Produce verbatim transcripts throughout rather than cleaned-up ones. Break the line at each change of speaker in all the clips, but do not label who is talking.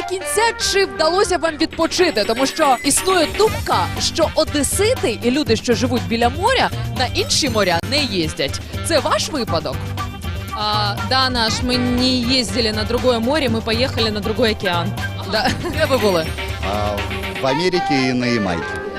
кінця, чи вдалося вам відпочити? Тому що існує думка, що одесити і люди, що живуть біля моря, на інші моря не їздять. Це ваш випадок?
А, да, наш, мы не ездили на другое море, мы поехали на другой океан.
Да. Де ви були?
А, в Америке и на Ямайке.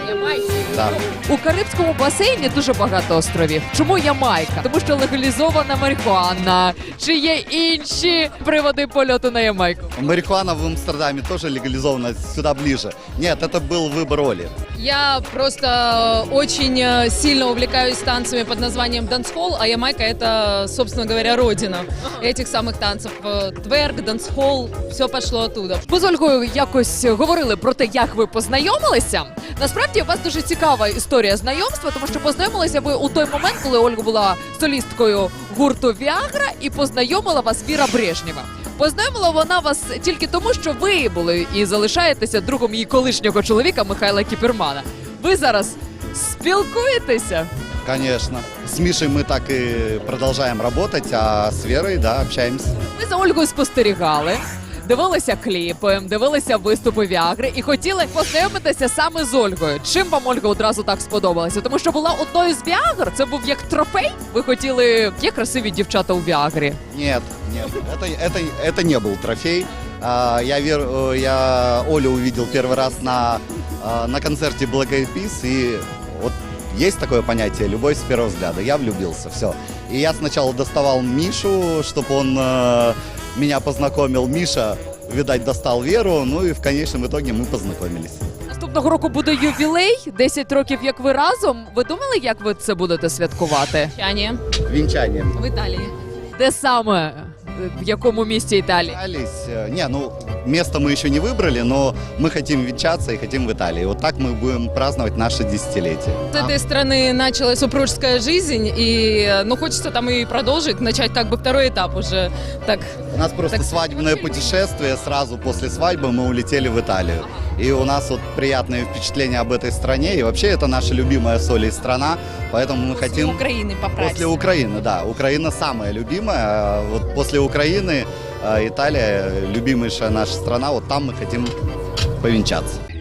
Да.
У Карибському басейні дуже багато островів. Чому Ямайка? Тому що легалізована марихуана. Чи є інші приводи польоту на Ямайку?
Марихуана в Амстердаме тоже легализована, сюда ближе. Нет, это был выбор Оли.
Я просто очень э, сильно увлекаюсь танцами под названием дансхолл, а Ямайка — это, собственно говоря, родина этих самых танцев. Э, Тверк, дансхолл, все пошло оттуда.
Ми з Ольгою якось говорили про те, як ви познайомилися. Насправді, у вас дуже цікава історія знайомства, тому що познайомилися ви у той момент, коли Ольга була солісткою гурту «Віагра» і познайомила вас Віра Брежнєва. Познайомила вона вас тільки тому, що ви були і залишаєтеся другом її колишнього чоловіка Михайла Кіпермана. Ви зараз спілкуєтеся?
Конечно. С Мишей мы так и продолжаем работать, а с Верой, да, общаемся.
Ми за Ольгою спостерігали, дивилися кліпи, дивилися виступи Віагри і хотіли познайомитися саме з Ольгою. Чим вам Ольга одразу так сподобалася? Тому що була одною з Віагр? Це був як трофей? Ви хотіли, є красиві дівчата у Віагрі?
Нет, нет, это, это, это не был трофей. А, Я, Вер, э, я Олю увидел первый раз на, а, на концерте Black Eyed Peas, и вот есть такое понятие «любовь с первого взгляда». Я влюбился, все. И я сначала доставал Мишу, чтобы он э, меня познакомил. Миша, видать, достал Веру, ну и в конечном итоге мы познакомились.
Наступного року буде ювілей, десять років як ви разом. Ви думали, як ви це будете святкувати?
Чане
Венчанием.
в Италии.
Де саме? В якому місті Італії?
Пытались, э, Не, ну, место мы еще не выбрали, но мы хотим венчаться и хотим в Италии. Вот так мы будем праздновать наше десятилетие.
С этой страны началась супружеская жизнь, и ну, хочется там и продолжить, начать как бы второй этап уже. Так.
У нас просто
Так,
свадебное путешествие. Сразу после свадьбы мы улетели в Италию. И у нас вот приятные впечатления об этой стране. И вообще это наша любимая с Олей страна. Поэтому мы хотим...
Украины поправить.
После Украины, да. Украина самая любимая. А вот после Украины э, Италия, любимейшая наша страна. Вот там мы хотим повенчаться.